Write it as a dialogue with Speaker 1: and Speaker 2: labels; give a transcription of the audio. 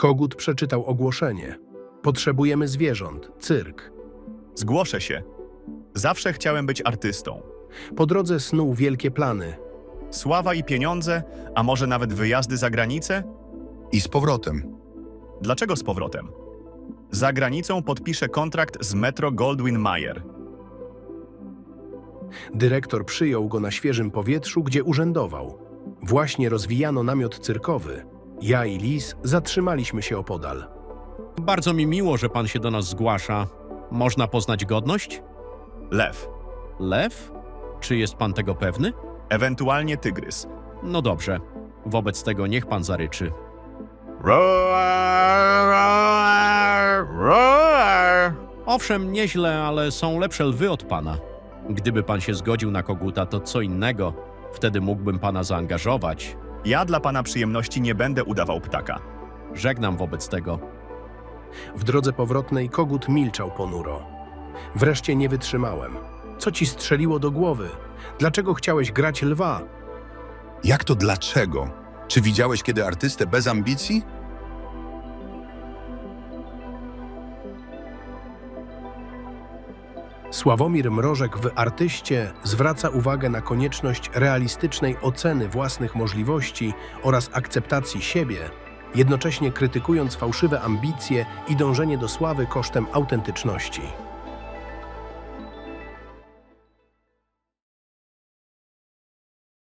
Speaker 1: Kogut przeczytał ogłoszenie. Potrzebujemy zwierząt, cyrk.
Speaker 2: Zgłoszę się. Zawsze chciałem być artystą.
Speaker 1: Po drodze snuł wielkie plany.
Speaker 2: Sława i pieniądze, a może nawet wyjazdy za granicę?
Speaker 3: I z powrotem.
Speaker 2: Dlaczego z powrotem? Za granicą podpiszę kontrakt z Metro Goldwyn Mayer.
Speaker 1: Dyrektor przyjął go na świeżym powietrzu, gdzie urzędował. Właśnie rozwijano namiot cyrkowy. Ja i Lis zatrzymaliśmy się opodal.
Speaker 4: Bardzo mi miło, że pan się do nas zgłasza. Można poznać godność?
Speaker 2: Lew,
Speaker 4: Lew? Czy jest pan tego pewny?
Speaker 2: ewentualnie tygrys.
Speaker 4: No dobrze. Wobec tego niech pan zaryczy.
Speaker 2: Roar, roar, roar.
Speaker 4: Owszem, nieźle, ale są lepsze lwy od pana. Gdyby pan się zgodził na koguta, to co innego. Wtedy mógłbym pana zaangażować.
Speaker 2: Ja dla pana przyjemności nie będę udawał ptaka.
Speaker 4: Żegnam wobec tego.
Speaker 1: W drodze powrotnej kogut milczał ponuro. Wreszcie nie wytrzymałem. Co ci strzeliło do głowy? Dlaczego chciałeś grać lwa?
Speaker 3: Jak to dlaczego? Czy widziałeś kiedy artystę bez ambicji?
Speaker 1: Sławomir Mrożek w Artyście zwraca uwagę na konieczność realistycznej oceny własnych możliwości oraz akceptacji siebie, jednocześnie krytykując fałszywe ambicje i dążenie do sławy kosztem autentyczności.